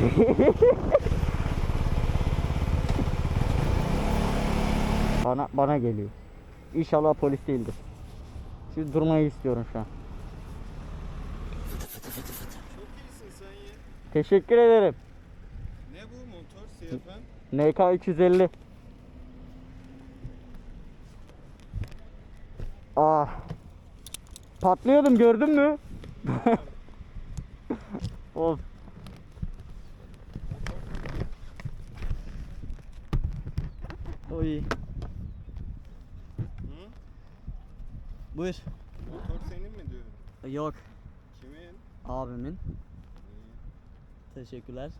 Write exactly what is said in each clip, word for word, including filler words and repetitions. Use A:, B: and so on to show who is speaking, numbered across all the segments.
A: Bana bana geliyor. İnşallah polis değildir. Şimdi durmayı istiyorum şu an.
B: Çok iyisin sen ya.
A: Teşekkür ederim.
B: Ne bu motor C F M?
A: N K üç yüz elli. Ah. Patlıyordum, gördün mü? Of. Oy.
B: Hı?
A: Buyur.
B: Motor senin mi diyorum?
A: Yok.
B: Kimin?
A: Abimin.
B: İyi.
A: Teşekkürler.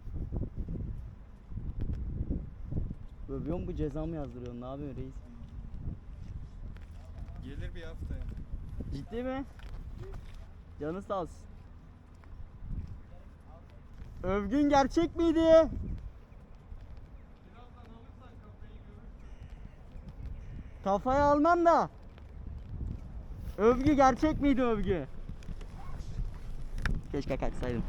A: Övüyor mu bu, ceza mı yazdırıyorsun? Ne yapıyorsun reis?
B: Gelir bir haftaya.
A: Ciddi mi? Canı sağ olsun. Övgün gerçek miydi?
B: Birazdan alırsan kafayı görürsün.
A: Kafaya almam da. Övgü gerçek miydi övgü? Keşke kaçsaydım.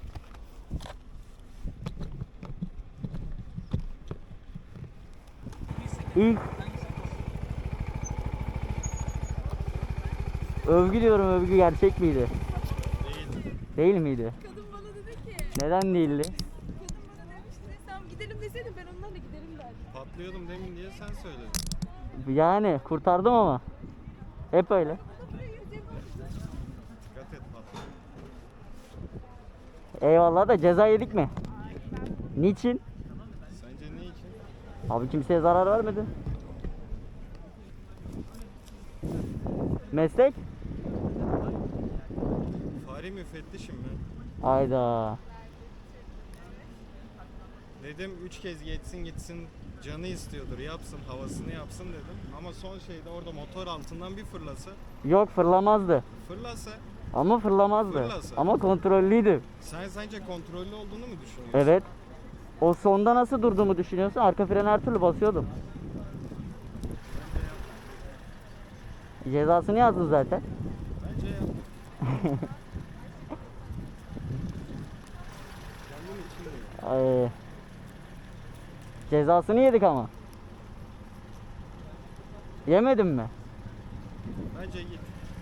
A: İlk Övgü diyorum, övgü gerçek miydi?
B: Değil.
A: Değil miydi?
C: Kadın bana dedi ki,
A: Neden değildi?
C: kadın bana demişti, sen gidelim deseydin ben onlarla giderim derdim.
B: Patlıyordum demin diye sen söyledin.
A: Yani kurtardım ama. Hep öyle.
C: Bana buraya yüzeyim oldu.
B: Dikkat et patlıyor.
A: Eyvallah da ceza yedik mi? Niçin?
B: Sence ne için?
A: Abi kimseye zarar vermedi. Meslek?
B: Fare müfettişim ben.
A: Ayda.
B: Dedim üç kez geçsin gitsin, canı istiyordur, yapsın, havasını yapsın dedim. Ama son şeyde orada motor altından bir fırlasa,
A: Yok, fırlamazdı.
B: fırlasa
A: Ama fırlamazdı.
B: Fırlasa.
A: Ama kontrollüydü.
B: sen sence kontrollü olduğunu mu düşünüyorsun?
A: Evet. O sonda nasıl durduğumu düşünüyorsun? Arka freni her türlü basıyordum. Cezasını yazdı zaten.
B: Bence yap. Kendim için değil.
A: Ay. Cezasını yedik ama. Yemedin mi?
B: Bence git.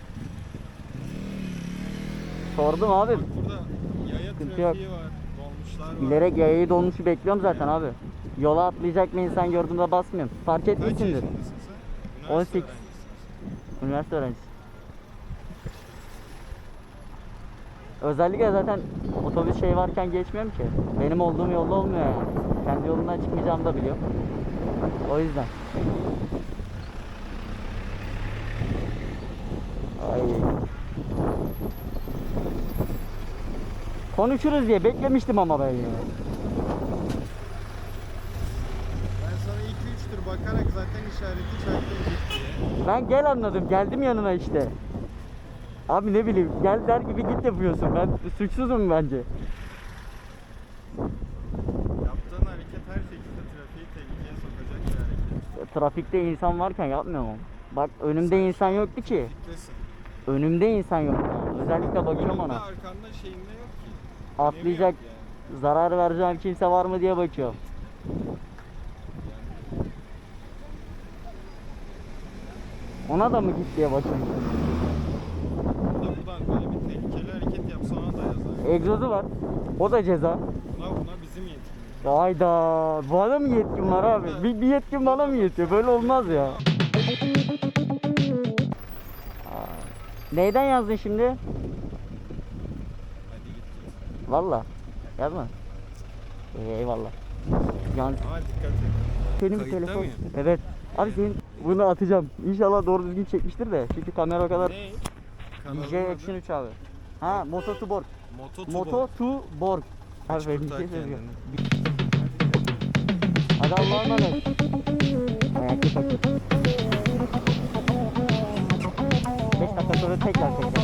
A: Sordum abi.
B: Bak burada yaya
A: Sıkıntı
B: trafiği var, dolmuşlar var.
A: Bilerek yayayı dolmuşu bekliyorum zaten abi. Yola atlayacak bir insan gördüğümde basmıyorum. Fark
B: Kaç
A: etmişsindir.
B: yaşındasın sen?
A: on
B: Üniversite
A: sekiz.
B: öğrencisisin.
A: Üniversite öğrencisi. Özellikle zaten otobüs şey varken geçmiyorum ki. Benim olduğum yolda olmuyor yani. Kendi yolundan çıkmayacağımı da biliyorum. O yüzden. Ay. Konuşuruz diye beklemiştim ama ben ya.
B: Ben sana iki üç tur bakarak zaten işareti çaktım git diye.
A: Ben gel anladım. Geldim yanına işte. Abi ne bileyim, gel der gibi git yapıyorsun. Ben suçsuzum bence.
B: Yaptığın hareket her şekilde trafiği tehlikeye sokacak bir hareket.
A: Trafikte insan varken yapmıyorum ama. Bak önümde insan yoktu ki.
B: Trafiktesin.
A: Önümde insan yoktu. Özellikle bakıyorum
B: Önünde,
A: ona.
B: arkanda şeyinde yok ki.
A: Atlayacak,
B: Önemi yok yani.
A: zarar vereceğim kimse var mı diye bakıyorum. Ona da mı git diye bakıyorum.
B: Bu da buradan böyle bir tehlikeli hareket yapsa ona da yazar.
A: Egzozu var. O da ceza.
B: Buna, buna bizim yetkimiz.
A: Hayda. Bana mı yetkin var abi? Bir, bir yetkin bana mı yetiyor? Böyle olmaz ya. Aa, neyden yazdın şimdi?
B: Hadi git git.
A: Valla. Yazma. Ee, eyvallah. Yan,
B: Ama dikkat et.
A: senin bir
B: Kayıtta
A: telefon.
B: mıyım?
A: Evet. Abi senin bunu atacağım. İnşallah doğru düzgün çekmiştir de. Çünkü kamera o kadar.
B: Ne?
A: D J Action üç abi. Ha, Moto to Borg.
B: Moto
A: Moto to Borg. Abi
B: Kaç
A: benim bir
B: kurtar
A: şey söyleyeceğim.
B: kendini.
A: Hadi Allah'a emanet. Ayaklı takıl. beş dakika sonra tekrar tekrar.